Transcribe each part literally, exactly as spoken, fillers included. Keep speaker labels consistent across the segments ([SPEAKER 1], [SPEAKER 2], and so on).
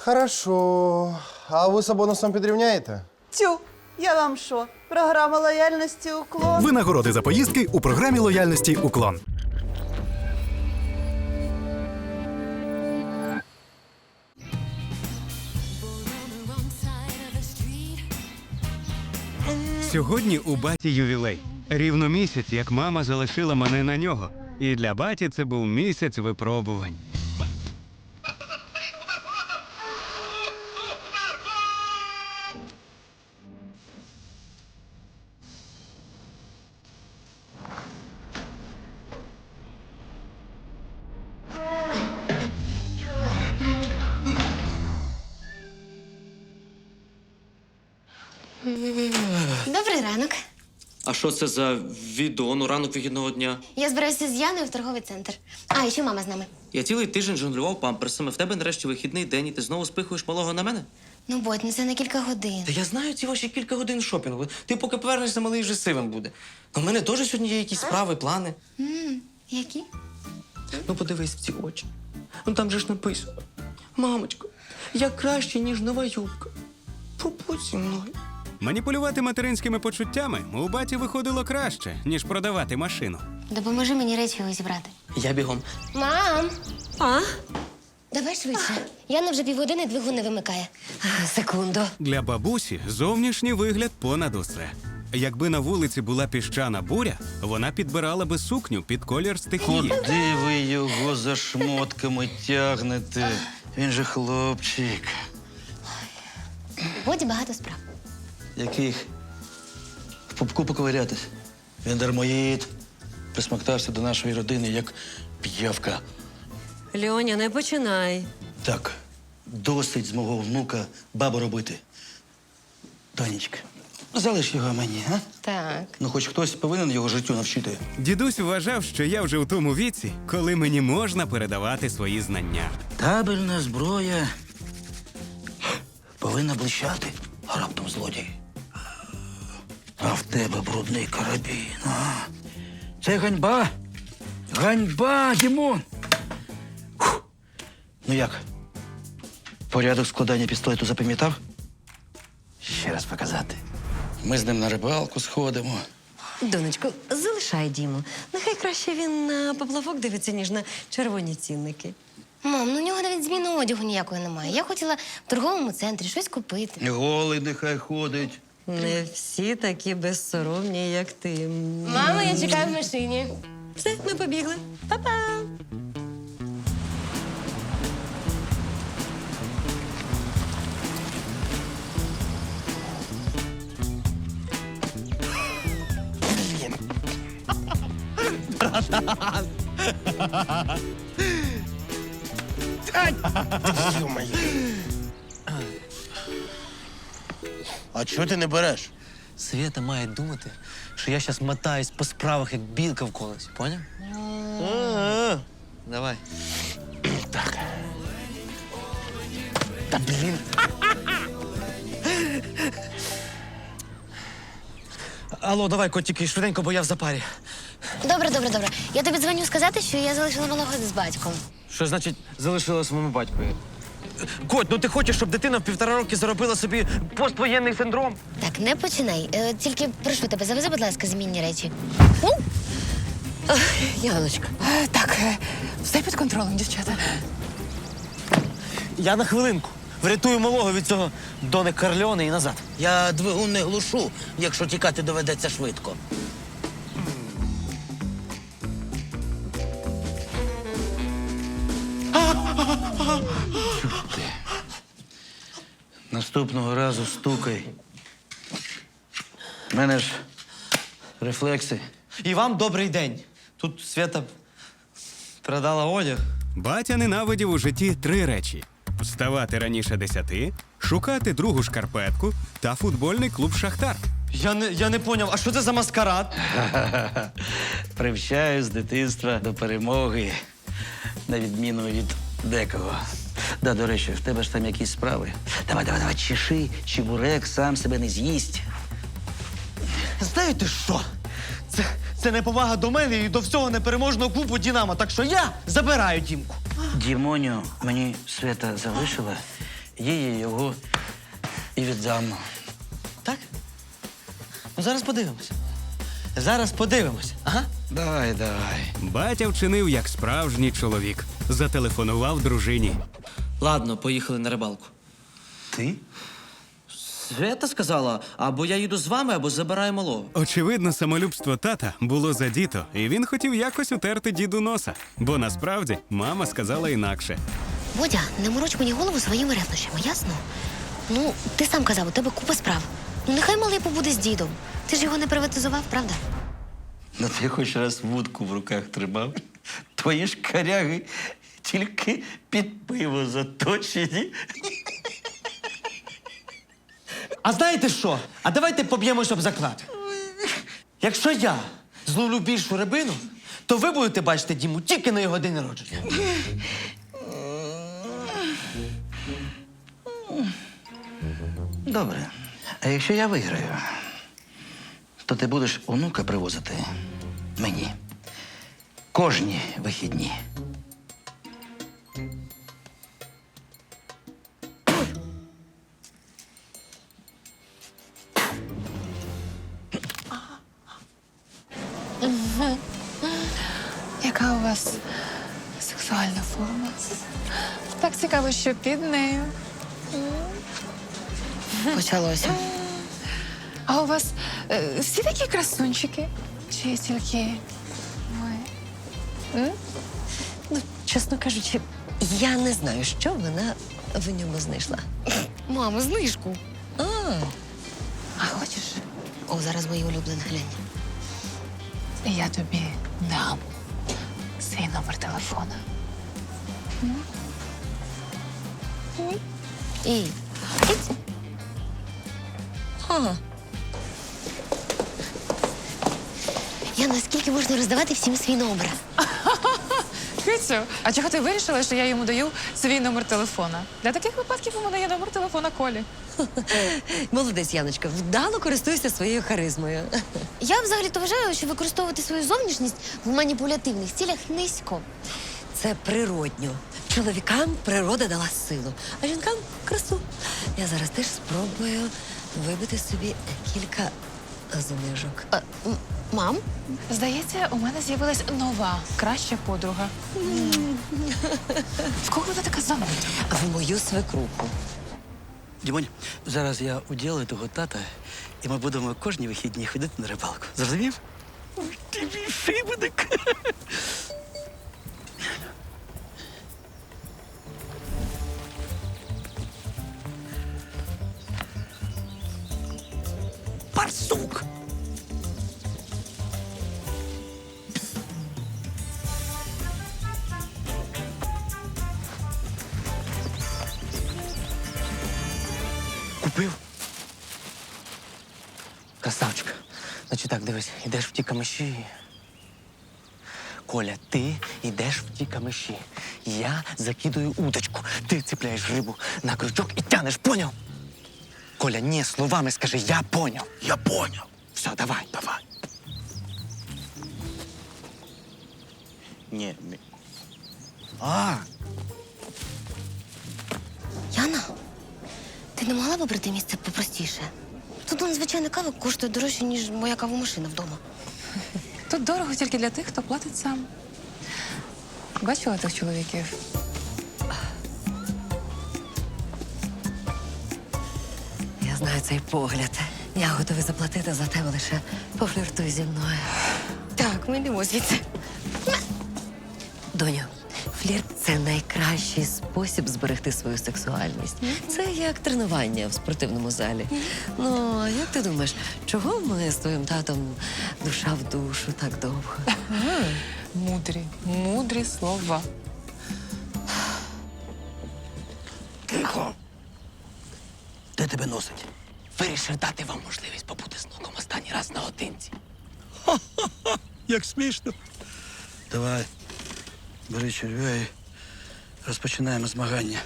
[SPEAKER 1] Хорошо. А ви з бонусом підрівняєте?
[SPEAKER 2] Тю, я вам що? Програма лояльності уклон.
[SPEAKER 3] Винагороди за поїздки у програмі лояльності «Уклон».
[SPEAKER 4] Сьогодні у баті ювілей. Рівно місяць, як мама залишила мене на нього. І для баті це був місяць випробувань.
[SPEAKER 5] Добрий ранок.
[SPEAKER 6] А що це за відео? Ну, ранок вихідного дня.
[SPEAKER 5] Я збираюся з Яною в торговий центр. А, і ще мама з нами.
[SPEAKER 6] Я цілий тиждень жонглював памперсами. В тебе нарешті вихідний день, і ти знову спихуєш малого на мене?
[SPEAKER 5] Ну, Бодь, ну це на кілька годин.
[SPEAKER 6] Та я знаю ці ваші кілька годин шопінгу. Ти поки повернешся, малий вже сивим буде. У мене теж сьогодні є якісь справи, плани.
[SPEAKER 5] М, які?
[SPEAKER 6] Ну, подивись в ці очі. Ну там же ж написано. Мамочко, я краще, ніж нова юбка. Побудь зі мною.
[SPEAKER 4] Маніпулювати материнськими почуттями у баті виходило краще, ніж продавати машину.
[SPEAKER 5] Допоможи мені речі його зібрати.
[SPEAKER 6] Я бігом.
[SPEAKER 5] Мам! А? Давай швидше. Яна вже півгодини двигун не вимикає. Секунду.
[SPEAKER 4] Для бабусі зовнішній вигляд понад усе. Якби на вулиці була піщана буря, вона підбирала би сукню під колір стихії.
[SPEAKER 7] Куди ви його за шмотками тягнете? Він же хлопчик.
[SPEAKER 5] Боді багато справ.
[SPEAKER 7] Яких? В пупку поковирятись. Він дармоїд. Присмоктався до нашої родини, як п'явка.
[SPEAKER 8] Льоня, не починай.
[SPEAKER 7] Так, досить з мого внука бабу робити. Тонечка, залиш його мені, а?
[SPEAKER 5] Так.
[SPEAKER 7] Ну, хоч хтось повинен його життю навчити.
[SPEAKER 4] Дідусь вважав, що я вже у тому віці, коли мені можна передавати свої знання.
[SPEAKER 7] Табельна зброя повинна блищати, а раптом злодій. А в тебе брудний карабін. А? Це ганьба. Ганьба, Дімон. Фух. Ну як? Порядок складання пістолету запам'ятав? Ще раз показати. Ми з ним на рибалку сходимо.
[SPEAKER 8] Донечко, залишай Діму. Нехай краще він на поплавок дивиться, ніж на червоні цінники.
[SPEAKER 5] Мам, ну у нього навіть зміни одягу ніякої немає. Я хотіла в торговому центрі щось купити.
[SPEAKER 7] Голий нехай ходить.
[SPEAKER 8] Не всі такі безсоромні, як ти.
[SPEAKER 5] Мама, я чекаю в машині.
[SPEAKER 8] Все, ми побігли. Па-па!
[SPEAKER 1] А чого ти не береш?
[SPEAKER 6] Свята має думати, що я зараз мотаюсь по справах, як білка в колесі, поняв? Давай.
[SPEAKER 1] Так. Та блін.
[SPEAKER 6] Алло, давай, котики, швиденько, бо я в запарі.
[SPEAKER 5] Добре, добре, добре. Я тобі дзвоню сказати, що я залишила малого з батьком.
[SPEAKER 6] Що значить залишила своєму батькові? Коть, ну ти хочеш, щоб дитина в півтора роки заробила собі поствоєнний синдром?
[SPEAKER 5] Так, не починай. Е, тільки прошу тебе, завези, будь ласка, змінні речі.
[SPEAKER 8] Яночка.
[SPEAKER 2] Так, все під контролем, дівчата.
[SPEAKER 6] Я на хвилинку. Врятую малого від цього Дони Карльони і назад.
[SPEAKER 7] Я двигун не глушу, якщо тікати доведеться швидко. Чути. Наступного разу стукай. У мене ж рефлекси.
[SPEAKER 6] І вам добрий день. Тут Свята продала одяг.
[SPEAKER 4] Батя ненавидів у житті три речі: вставати раніше десяти, шукати другу шкарпетку та футбольний клуб «Шахтар».
[SPEAKER 6] Я не, я не поняв, а що це за маскарад?
[SPEAKER 7] Привчаю з дитинства до перемоги, на відміну від декого. Да, до речі, в тебе ж там якісь справи. Давай, давай, давай, чеши, чебурек сам себе не з'їсть.
[SPEAKER 6] Знаєте що? Це, це неповага до мене і до всього непереможного клубу «Дінамо». Так що я забираю Дімку.
[SPEAKER 7] Дімоню мені Свята залишила їй його і віддам.
[SPEAKER 6] Так? Ну зараз подивимось. Зараз подивимось. Ага.
[SPEAKER 7] Давай, давай.
[SPEAKER 4] Батя вчинив як справжній чоловік. Зателефонував дружині.
[SPEAKER 6] Ладно, поїхали на рибалку.
[SPEAKER 7] Ти?
[SPEAKER 6] Свята сказала, або я їду з вами, або забираю малого.
[SPEAKER 4] Очевидно, самолюбство тата було задіто, і він хотів якось утерти діду носа. Бо насправді мама сказала інакше.
[SPEAKER 5] Бодя, не мороч мені голову своїми ревнощами, ясно? Ну, ти сам казав, у тебе купа справ. Ну, нехай малий побуде з дідом. Ти ж його не приватизував, правда?
[SPEAKER 7] Ну ти хоч раз вудку в руках тримав. Твої ж коряги тільки під пиво заточені.
[SPEAKER 6] А знаєте що? А давайте поб'ємось об заклад. Якщо я зловлю більшу рибину, то ви будете бачити Діму тільки на його день народження.
[SPEAKER 7] Добре. А якщо я виграю, то ти будеш онука привозити мені кожні вихідні.
[SPEAKER 9] Яка у вас сексуальна форма? Так цікаво, що під нею.
[SPEAKER 5] Почалося.
[SPEAKER 9] А у вас е, всі такі красунчики? Чи тільки ви?
[SPEAKER 8] Ну, чесно кажучи, я не знаю, що вона в ньому знайшла.
[SPEAKER 5] Мамо, знижку.
[SPEAKER 8] А,
[SPEAKER 9] А хочеш,
[SPEAKER 5] О, зараз мої улюблені, глянь.
[SPEAKER 9] я тобі дам свій номер телефона.
[SPEAKER 5] І. Ага. Я наскільки можна роздавати всім свій номер?
[SPEAKER 9] Кицю, а чого ти вирішила, що я йому даю свій номер телефона? Для таких випадків у мене є номер телефона Колі.
[SPEAKER 8] молодець, Яночка, вдало користуйся своєю харизмою.
[SPEAKER 5] Я взагалі-то вважаю, що використовувати свою зовнішність в маніпулятивних цілях низько.
[SPEAKER 8] Це природньо. Чоловікам природа дала силу, а жінкам красу. Я зараз теж спробую вибити собі кілька знижок.
[SPEAKER 5] А, м- мам?
[SPEAKER 9] Здається, у мене з'явилась нова, краща подруга. В кого вона така зануда?
[SPEAKER 8] В мою свекруху.
[SPEAKER 7] Дімонь, зараз я уділаю того тата, і ми будемо кожні вихідні ходити на рибалку. Зрозумів? Ой, ти мій шибеник. Барсук!
[SPEAKER 6] Купив? Красавчик. Значить так, дивись, йдеш в ті камиші. Коля, ти йдеш в ті камиші. Я закидую удочку. Ти цепляєш рибу на крючок і тянеш, поняв? Коля, ні, словами скажи, я поняв.
[SPEAKER 7] Я поняв.
[SPEAKER 6] Все, давай, давай.
[SPEAKER 7] Ні, ні. А,
[SPEAKER 5] Яна, ти не могла б обрати місце попростіше? Тут он, звичайна кава коштує дорожче, ніж моя кавомашина вдома.
[SPEAKER 9] Тут дорого тільки для тих, хто платить сам. Бачила тих чоловіків?
[SPEAKER 8] Я знаю цей погляд. Я готовий заплатити за тебе лише пофліртуй зі мною.
[SPEAKER 5] Так, ми йдемо звідси.
[SPEAKER 8] Доню, флірт це найкращий спосіб зберегти свою сексуальність. Це як тренування в спортивному залі. Ну, а як ти думаєш, чого ми з твоїм татом душа в душу так довго?
[SPEAKER 9] Мудрі, мудрі слова.
[SPEAKER 7] тихо. Де тебе носить?
[SPEAKER 6] Вирішив дати вам можливість побути з внуком останній раз наодинці.
[SPEAKER 7] Як смішно. Давай, бери черв'я і розпочинаємо змагання.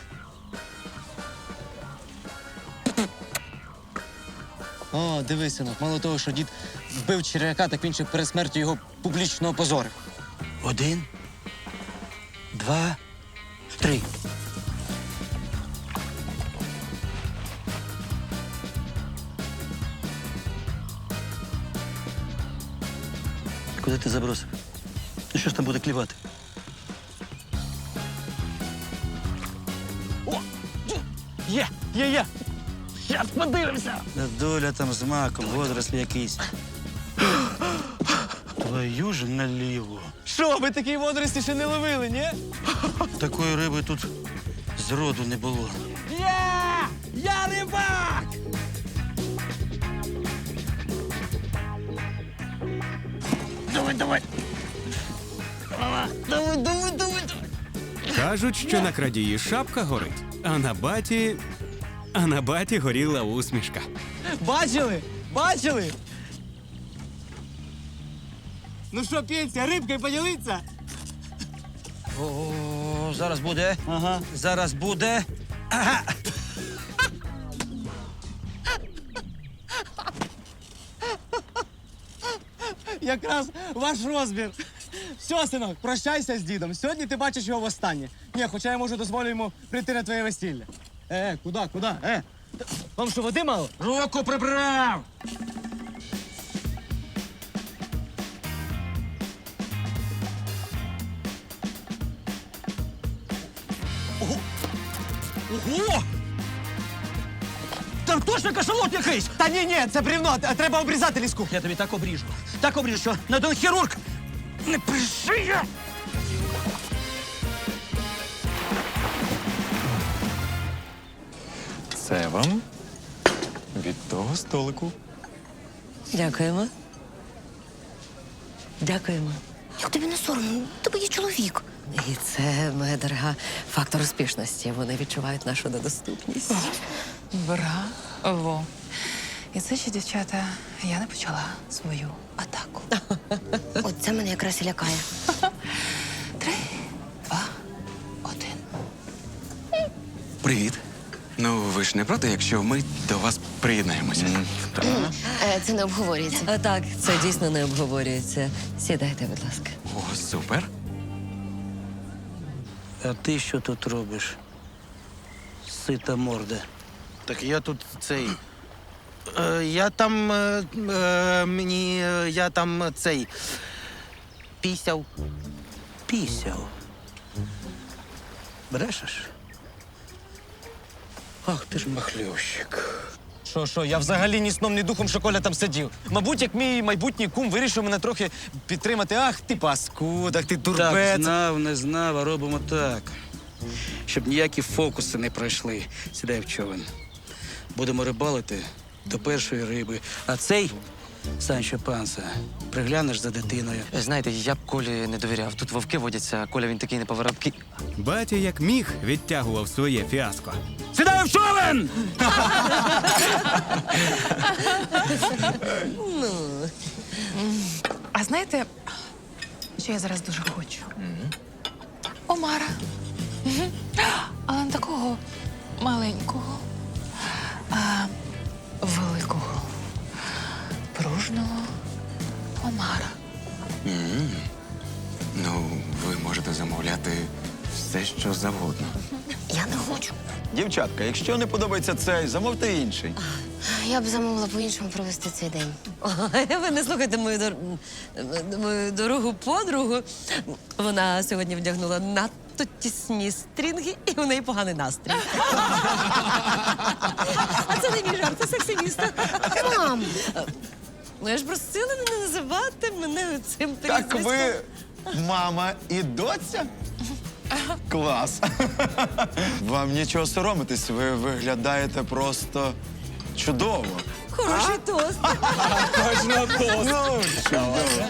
[SPEAKER 6] О, дивись, синок, мало того, що дід вбив черв'яка, так він ще перед смертю його публічно опозорив.
[SPEAKER 7] Один, два, три. Куди ти забросив? Ну що ж там буде клівати? О! Є! Є, є! Щас подивимося! Доля там з маком, водорослі якийсь. Твою ж наліво.
[SPEAKER 6] Що, ви такі водорості ще не ловили, ні?
[SPEAKER 7] Такої риби тут зроду не було.
[SPEAKER 6] Є! Я рибак!
[SPEAKER 7] Давай, давай! Давай, давай, давай, давай!
[SPEAKER 4] Кажуть, що на крадії шапка горить, а на баті. А на баті горіла усмішка.
[SPEAKER 6] Бачили? Бачили? Ну що, Петя, рибкою поділиться?
[SPEAKER 7] О, зараз буде. Ага. Зараз буде. Ага.
[SPEAKER 6] Якраз ваш розмір. Все, синок, прощайся з дідом. Сьогодні ти бачиш його востаннє. Ні, хоча я можу дозволю йому прийти на твоє весілля. Е, куди, куди? Е. Вам що, води мало?
[SPEAKER 7] Руку прибрав! Ого! Там точно кашалот якийсь!
[SPEAKER 6] Та ні, ні, це брівно, т- треба обрізати ліску.
[SPEAKER 7] Я тобі так обріжу. Так обріжу, що на один хірург не пришиє!
[SPEAKER 10] Це вам від того столику.
[SPEAKER 8] Дякуємо. Дякуємо.
[SPEAKER 5] Як тобі не соромно? Тебе є чоловік.
[SPEAKER 8] І це, моя дорога, фактор успішності. Вони відчувають нашу недоступність.
[SPEAKER 9] Браво. І це ще, дівчата, я не почала свою атаку.
[SPEAKER 5] От це мене якраз і лякає.
[SPEAKER 9] Три, два, один.
[SPEAKER 4] Привіт. Ну, ви ж не проти, якщо ми до вас приєднаємося.
[SPEAKER 5] Е, Це не обговорюється.
[SPEAKER 8] А так, це дійсно не обговорюється. Сідайте, будь ласка.
[SPEAKER 4] О, супер.
[SPEAKER 7] А ти що тут робиш? Сита морда.
[SPEAKER 1] Так я тут цей. Е, я там. Е, е, мені. е, Я там е, цей. Пісяв.
[SPEAKER 7] Пісяв. Брешеш? Ах, ти ж махльовщик.
[SPEAKER 6] Що, що, я взагалі ні сном, ні духом, що Коля там сидів. Мабуть, як мій майбутній кум вирішив мене трохи підтримати. Ах, ти паскуд, ах ти
[SPEAKER 7] Так,
[SPEAKER 6] турбець.
[SPEAKER 7] знав, не знав, а робимо так. Щоб ніякі фокуси не пройшли. Сідай в човен. Будемо рибалити до першої риби. А цей, Санчо Панса, приглянеш за дитиною.
[SPEAKER 6] Знаєте, я б Колі не довіряв. Тут вовки водяться, а Коля він такий неповороткий.
[SPEAKER 4] Батя як міг відтягував своє фіаско.
[SPEAKER 7] Сідай в човен!
[SPEAKER 9] А знаєте, що я зараз дуже хочу? Омара. Мгм. Але не такого маленького, а великого, пружного омара.
[SPEAKER 4] Ну, ви можете замовляти все, що завгодно.
[SPEAKER 5] Я не хочу.
[SPEAKER 10] Дівчатка, якщо не подобається цей, замовте інший.
[SPEAKER 5] Я б замовила по-іншому провести цей день.
[SPEAKER 8] Ой, ви не слухайте мою, дор... мою дорогу подругу. Вона сьогодні вдягнула надто тісні стрінги, і у неї поганий настрій. А це не мій жарт, це сексиміста.
[SPEAKER 5] Мам!
[SPEAKER 8] Ну, я ж просила мене називати мене цим
[SPEAKER 10] Так
[SPEAKER 8] прізвиськом.
[SPEAKER 10] ви мама і доця? Клас. Вам нічого соромитись, ви виглядаєте просто чудово.
[SPEAKER 8] Хороший тост.
[SPEAKER 10] Точно тост. Ну, чудово.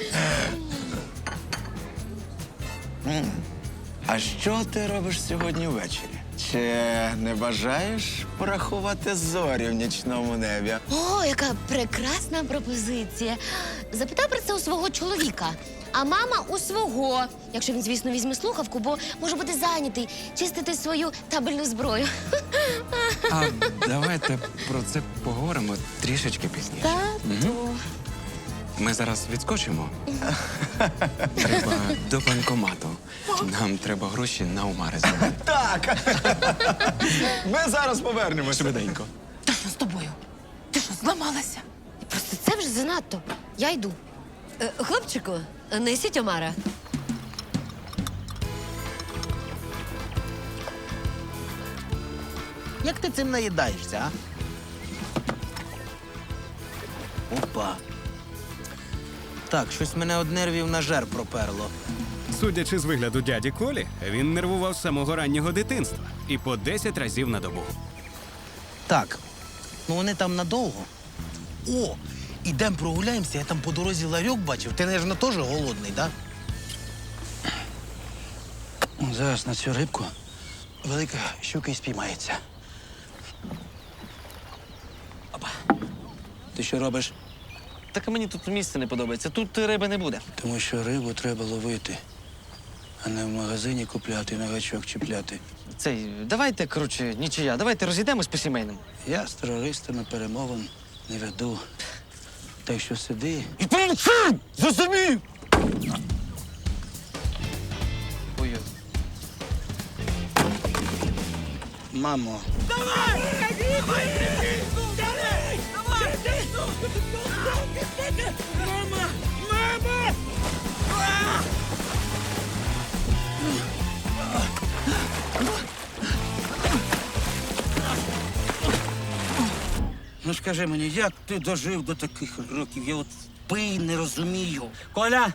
[SPEAKER 10] М. А що ти робиш сьогодні ввечері? Чи не бажаєш порахувати зорі в нічному небі?
[SPEAKER 5] О, яка прекрасна пропозиція. Запитай про це у свого чоловіка. А мама у свого, якщо він, звісно, візьме слухавку, бо може бути зайнятий чистити свою табельну зброю.
[SPEAKER 4] А давайте про це поговоримо трішечки пізніше.
[SPEAKER 5] Тату.
[SPEAKER 4] Ми зараз відскочимо. Треба до банкомату. Нам треба гроші на омари зробити.
[SPEAKER 10] Так. Ми зараз повернемося.
[SPEAKER 4] Швиденько.
[SPEAKER 9] Та що з тобою? Ти що, зламалася?
[SPEAKER 5] Просто це вже занадто. Я йду.
[SPEAKER 8] Е, Хлопчику, Несіть омара.
[SPEAKER 1] Як ти цим наїдаєшся, а? Опа. Так, щось мене од нервів на жар проперло.
[SPEAKER 4] Судячи з вигляду дяді Колі, він нервував з самого раннього дитинства і по десять разів на добу.
[SPEAKER 1] Так, ну вони там надовго. О, ідем прогуляємося, я там по дорозі ларьок бачив. Ти, наверно, теж голодний, так? Да?
[SPEAKER 7] Зараз на цю рибку велика щука і спіймається. Опа. Ти що робиш?
[SPEAKER 6] Так мені тут місце не подобається. Тут риби не буде.
[SPEAKER 7] Тому що рибу треба ловити, а не в магазині купляти, на гачок чіпляти.
[SPEAKER 6] Цей, давайте, коротше, нічия, давайте розійдемось по сімейному.
[SPEAKER 7] Я з терористами перемовин не веду. Так що сиди.
[SPEAKER 6] І помовчи! Зрозумів! Ой,
[SPEAKER 7] Мамо, ну скажи мені, як ти дожив до таких років? Я от пий не розумію.
[SPEAKER 6] Коля!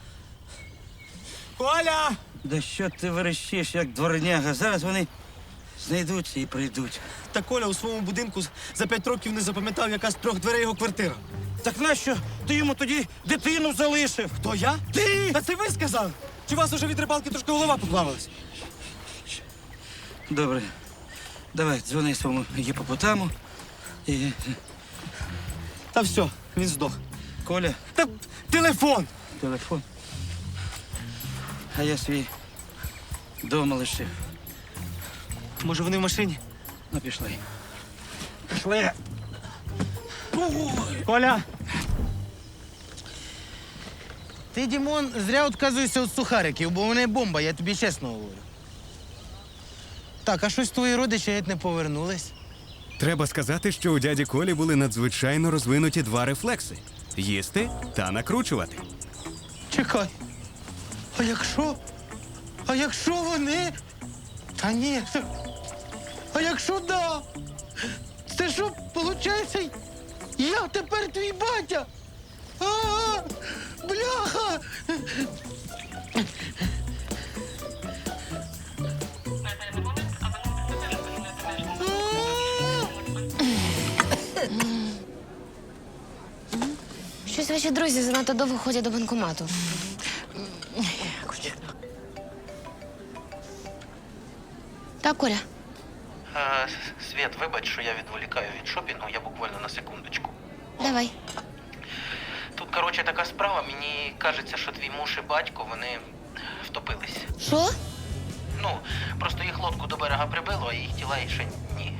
[SPEAKER 7] Коля! Да що ти верещиш, як дворняга? Зараз вони знайдуться і прийдуть.
[SPEAKER 11] Та Коля у своєму будинку за п'ять років не запам'ятав, яка з трьох дверей його квартира.
[SPEAKER 7] Так нащо ти йому тоді дитину залишив?
[SPEAKER 11] Хто я?
[SPEAKER 7] Ти!
[SPEAKER 11] Та це ви сказали? Чи у вас уже від рибалки трошки голова поплавилась?
[SPEAKER 7] Добре, давай, дзвони своєму гіпопотаму. І...
[SPEAKER 11] Та все, він здох.
[SPEAKER 7] Коля,
[SPEAKER 11] Та телефон!
[SPEAKER 7] телефон. А я свій дома лишив.
[SPEAKER 11] Може, вони в машині?
[SPEAKER 7] Ну, пішли. Пішли.
[SPEAKER 11] Коля!
[SPEAKER 1] Ти, Дімон, зря відказуєшся від сухариків, бо вони бомба, я тобі чесно говорю. Так, а щось твої родичі геть не повернулись.
[SPEAKER 4] Треба сказати, що у дяді Колі були надзвичайно розвинуті два рефлекси – їсти та накручувати.
[SPEAKER 1] Чекай. А якщо? А якщо вони? Та ні. А якщо да? Це що, виходить, я тепер твій батя? А, бляха!
[SPEAKER 5] Щось ваші друзі занадто довго ходять до банкомату. Так, Коля.
[SPEAKER 1] А, Світ, вибач, що я відволікаю від шопінгу, я буквально на секундочку.
[SPEAKER 5] Давай.
[SPEAKER 1] Тут, коротше, така справа, мені кажеться, що твій муж і батько, вони втопились.
[SPEAKER 5] Що?
[SPEAKER 1] Ну, просто їх лодку до берега прибило, а їх тіла ще ні.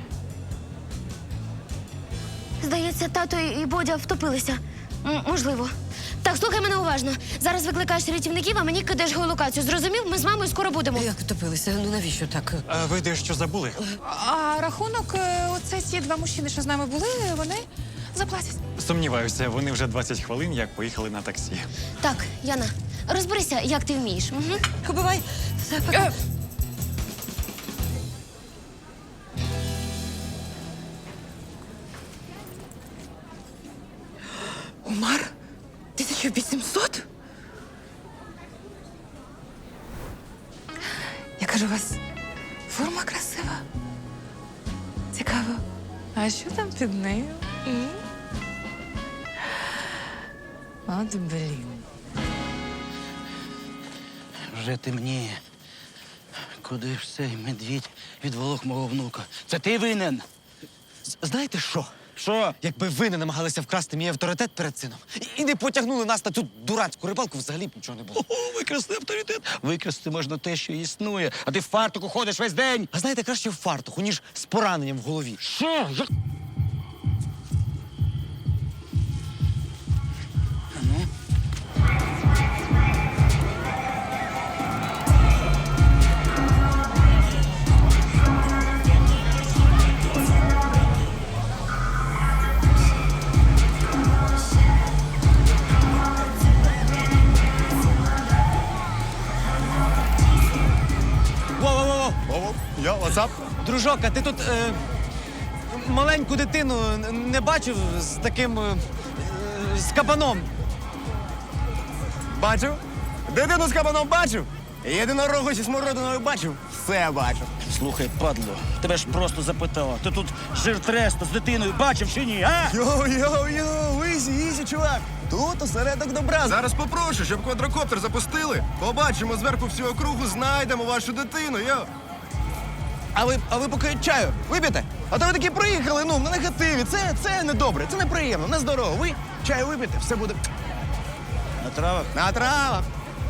[SPEAKER 5] Здається, тато і Бодя втопилися. М- можливо. Так, слухай мене уважно. Зараз викликаєш рятівників, а мені кидаєш геолокацію. Зрозумів? Ми з мамою скоро будемо.
[SPEAKER 8] Як втопилися? Ну навіщо так?
[SPEAKER 11] А ви дещо забули?
[SPEAKER 9] А рахунок, е, оце ці два мужчини, що з нами були, вони заплатять.
[SPEAKER 12] Сумніваюся, вони вже двадцять хвилин як поїхали на таксі.
[SPEAKER 5] Так, Яна, розберися, як ти вмієш. Угу.
[SPEAKER 8] Бувай. Все, пока.
[SPEAKER 9] Умар? тисяча вісімсот? Яка ж у вас форма красива. Цікаво. А що там під нею? М? От блін.
[SPEAKER 7] Вже темніє. Куди ж цей медвідь відволок мого внука? Це ти винен?
[SPEAKER 11] Знаєте що?
[SPEAKER 7] Що?
[SPEAKER 11] Якби ви не намагалися вкрасти мій авторитет перед сином і- і не потягнули нас на цю дурацьку рибалку, взагалі б нічого не було.
[SPEAKER 7] О, викрасти авторитет. Викрасти можна те, що існує, а ти в фартуку ходиш весь день.
[SPEAKER 11] А знаєте, краще в фартуху, ніж з пораненням в голові.
[SPEAKER 7] Що? Як?
[SPEAKER 11] Дружок, а ти тут е, маленьку дитину не бачив з таким е, з кабаном?
[SPEAKER 10] Бачив? Дитину з кабаном бачив? Єдинорогу зі смородиною бачив? Все бачив.
[SPEAKER 7] Слухай, падло, тебе ж просто запитала. Ти тут жир треста з дитиною бачив чи ні, а?
[SPEAKER 10] Йоу-йоу-йоу, ізі, ізі, чувак. Тут осередок добра.
[SPEAKER 13] Зараз попрошу, щоб квадрокоптер запустили. Побачимо зверху всю округу, знайдемо вашу дитину, йо.
[SPEAKER 10] А ви, а ви поки чаю вип'єте? А то ви такі приїхали, ну, на негативі. Це, це недобре, це неприємно, нездорово. Ви чаю вип'єте, все буде
[SPEAKER 7] На травах?
[SPEAKER 10] на травах.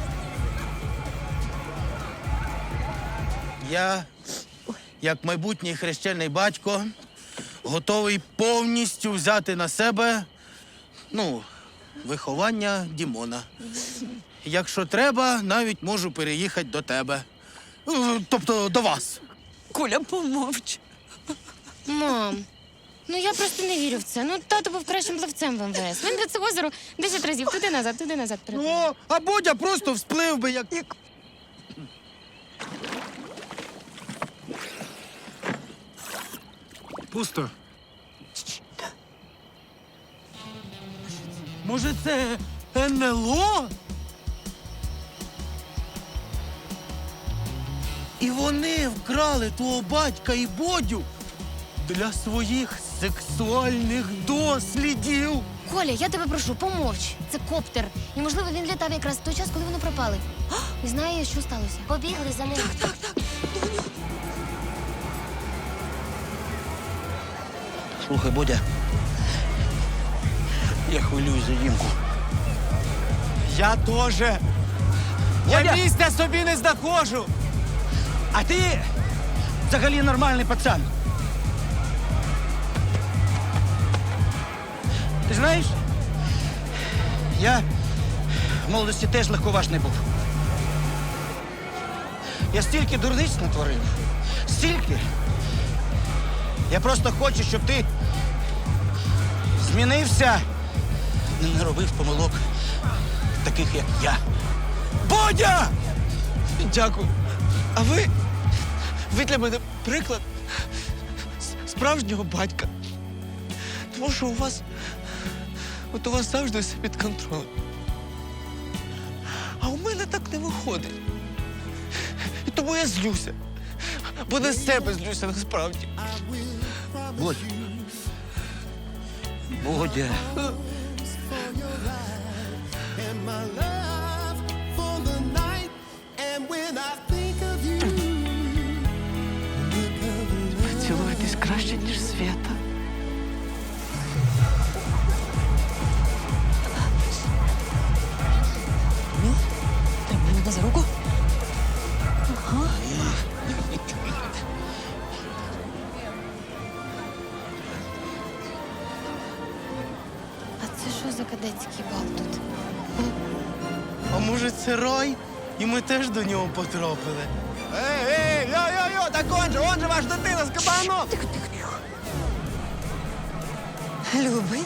[SPEAKER 1] Я, як майбутній хрещений батько, готовий повністю взяти на себе, ну, виховання Дімона. Якщо треба, навіть можу переїхати до тебе. Е, Тобто до вас.
[SPEAKER 2] Коля, помовч.
[SPEAKER 5] Мам, ну я просто не вірю в це. Ну, тато був кращим плавцем в ем ве ес. Він до цього озеру десять разів туди-назад, туди-назад перепливав.
[SPEAKER 1] О, а Бодя просто всплив би, як...
[SPEAKER 13] Пусто.
[SPEAKER 1] Може, це ен ел о? І вони вкрали твого батька і Бодю для своїх сексуальних дослідів.
[SPEAKER 5] Коля, я тебе прошу, помовч. Це коптер. І, можливо, він літав якраз в той час, коли вони пропали. І знає, що сталося. Побігли за ним. Так, так, так.
[SPEAKER 7] Слухай, Бодя, я хвилююсь за Дімку.
[SPEAKER 11] Я теж. Я місця собі не знаходжу.
[SPEAKER 7] А ти взагалі нормальний пацан. Ти знаєш, я в молодості теж легковажний був. Я стільки дурниць натворив. Стільки. Я просто хочу, щоб ти змінився, не робив помилок таких, як я. Бодя!
[SPEAKER 11] Дякую. А ви, ви для мене приклад с- справжнього батька. Тому що у вас, от у вас завжди все під контролем. А у мене так не виходить. І тому я злюся. Бо на себе злюся насправді.
[SPEAKER 7] Бодя. Бодя.
[SPEAKER 2] Цілуєтесь краще, ніж Свята.
[SPEAKER 8] Тримай мене за руку.
[SPEAKER 5] А це що за кадетський бал тут?
[SPEAKER 1] А може, це рай? І ми теж до нього потрапили.
[SPEAKER 10] Ей, ей, йо-йо-йо, так он же, он же ваш дитина з кабаном.
[SPEAKER 8] Любий.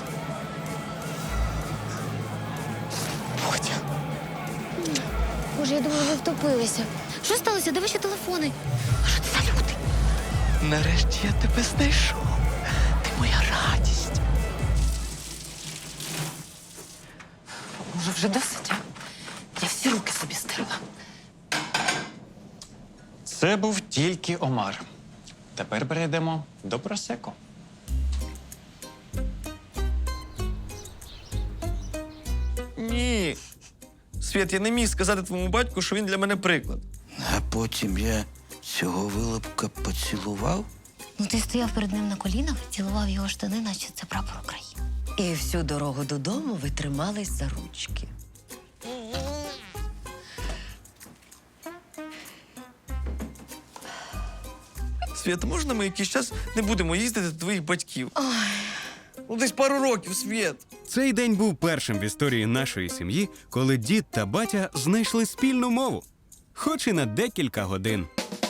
[SPEAKER 5] Боже, я думала, ви втопилися. Що сталося? Де ваші телефони? А що це за люди?
[SPEAKER 11] Нарешті я тебе знайшов. Ти моя радість.
[SPEAKER 8] Може, вже досить? а? Я всі руки собі стерла.
[SPEAKER 12] Це був тільки омар. Тепер перейдемо до просеко.
[SPEAKER 11] Ні. Світ, я не міг сказати твоєму батьку, що він для мене приклад.
[SPEAKER 7] А потім я цього вилупка поцілував.
[SPEAKER 5] Ну, ти стояв перед ним на колінах, цілував його штани, наче це прапор України.
[SPEAKER 8] І всю дорогу додому ви тримались за ручки.
[SPEAKER 11] Світ, можна ми якийсь час не будемо їздити до твоїх батьків? Ой. Ну, десь пару років, Світ.
[SPEAKER 4] Цей день був першим в історії нашої сім'ї, коли дід та батя знайшли спільну мову, хоч і на декілька годин.